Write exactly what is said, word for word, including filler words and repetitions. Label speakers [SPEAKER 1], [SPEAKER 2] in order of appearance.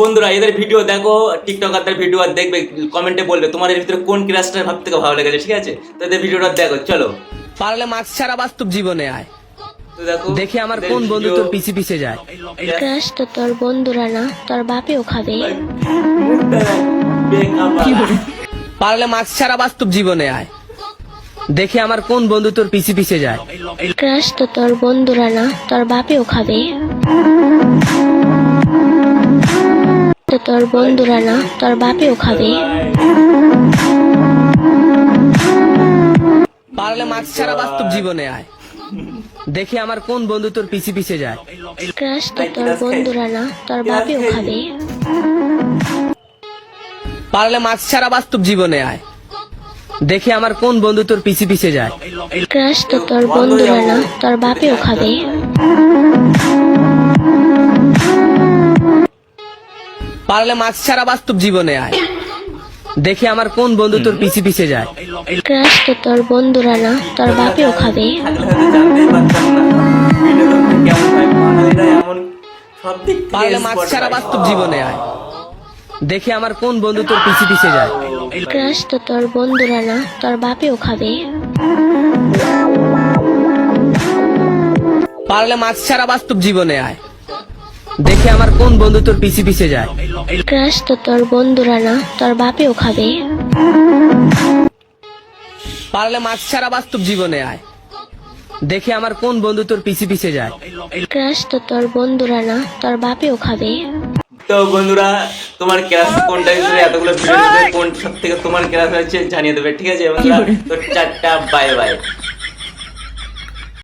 [SPEAKER 1] বন্ধুরা এদের ভিডিও দেখো, টিকটকারদের ভিডিও আর দেখবে, কমেন্টে বলবে তোমাদের ভিতরে কোন ক্রাশটা সব থেকে ভালো লেগেছে, ঠিক আছে? তো এদের ভিডিওটা দেখো, চলো।
[SPEAKER 2] পারলে মাস্ক ছাড়া বাস্তব জীবনে আয়,
[SPEAKER 1] তো দেখো
[SPEAKER 2] দেখি আমার কোন বন্ধু তোর পিছে পিছে যায়।
[SPEAKER 3] ক্রাশ তো তোর বন্ধুরা না, তোর বাপেও খাবে।
[SPEAKER 2] পারলে মাস্ক ছাড়া বাস্তব জীবনে আয়, দেখি আমার কোন বন্ধু তোর পিছে পিছে যায়।
[SPEAKER 3] ক্রাশ তো তোর বন্ধুরা না, তোর বাপেও খাবে। তো তোর বন্ধুরা না, তোর বাপেও খাবে।
[SPEAKER 2] পারলে মাস্ক ছাড়া বাস্তব জীবনে আয়, দেখি আমার কোন বন্ধু তোর পিছে পিছে যায়।
[SPEAKER 3] ক্রাশ তো তোর বন্ধুরা না, তোর বাপেও খাবে।
[SPEAKER 2] পারলে মাস্ক ছাড়া বাস্তব জীবনে আয়, দেখি আমার কোন বন্ধু তোর পিছে পিছে যায়।
[SPEAKER 3] ক্রাশ তো তোর বন্ধুরা না, তোর বাপেও খাবে।
[SPEAKER 2] পারলে মাস্ক ছাড়া বাস্তব জীবনে আয়, দেখি আমার কোন বন্ধু তোর পিছে পিছে যায়।
[SPEAKER 3] ক্রাশ তো তোর বন্ধুরা না, তোর বাপেও খাবে।
[SPEAKER 2] পারলে মাস্ক ছাড়া বাস্তব জীবনে আয়, দেখি আমার কোন বন্ধু তোর পিছে পিছে যায়।
[SPEAKER 3] ক্রাশ তো তোর বন্ধুরা না, তোর বাপেও খাবে।
[SPEAKER 2] পারলে মাস্ক ছাড়া বাস্তব জীবনে আয়, দেখি আমার কোন বন্ধু তোর পিছে পিছে যায়।
[SPEAKER 3] ক্রাশ তো তোর বন্ধুরা না, তোর বাপেও খাবে।
[SPEAKER 2] পারলে মাস্ক ছাড়া বাস্তব জীবনে আয়, দেখি আমার কোন বন্ধু তোর পিছে পিছে যায়।
[SPEAKER 3] ক্রাশ তো তোর বন্ধুরা না, তোর বাপেও খাবে।
[SPEAKER 1] তো বন্ধুরা তোমার ক্লাস কোনটা হিসেবে এতগুলো ভিডিও কোন সব থেকে তোমার ক্লাস হচ্ছে জানিয়ে দেবে, ঠিক আছে বন্ধুরা? তো চারটা বাই বাই।